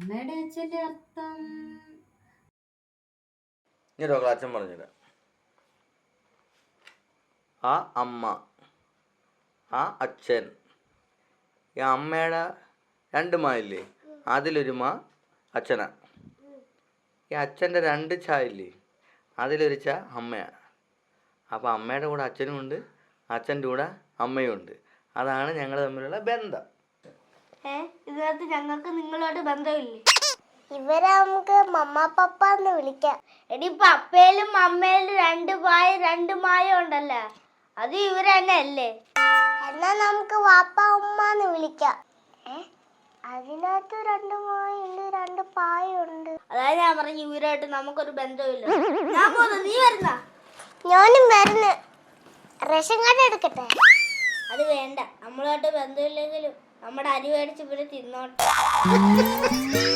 അമ്മയുടെ അച്ഛന്റെ അർത്ഥം അച്ഛൻ പറഞ്ഞില്ല. ആ അമ്മ, ആ അച്ഛൻ. ഈ അമ്മയുടെ 2 മാ ഇല്ലേ, അതിലൊരു മാ അച്ഛനാ. ഈ അച്ഛൻ്റെ 2 ചാ ഇല്ലേ, അതിലൊരു ചാ അമ്മയാ. അപ്പോൾ അമ്മയുടെ കൂടെ അച്ഛനും ഉണ്ട്, അച്ഛൻ്റെ കൂടെ അമ്മയും ഉണ്ട്. അതാണ് ഞങ്ങൾ തമ്മിലുള്ള ബന്ധം. ഇതിനകത്ത് ഞങ്ങൾക്ക് നിങ്ങളോട് ബന്ധമില്ലേ? ഇവരെ നമുക്ക് മമ്മ പപ്പ എന്ന് വിളിക്കാം. എടി പപ്പയിലും അമ്മയിലും 2 പായും 2 മായും ഉണ്ടല്ലോ, അത് ഇവര് തന്നെ അല്ലേ? എന്നാ നമുക്ക് വാപ്പ ഉമ്മ എന്ന് വിളിക്കാം. അതിനകത്ത് 2 മായുണ്ട് 2 പായുണ്ട്. അതായത് ഞാൻ പറഞ്ഞു ഇവരായിട്ട് നമുക്കൊരു ബന്ധമില്ല. ഞാൻ പോന്നു, നീ വരുന്ന? ഞാനും വരുന്നു. റേഷൻ കാർഡ് എടുക്കട്ടെ? അത് വേണ്ട, നമ്മളുമായിട്ട് ബന്ധമില്ലെങ്കിലും നമ്മുടെ അരി മേടിച്ച് ഇവര് തിന്നോട്ടെ.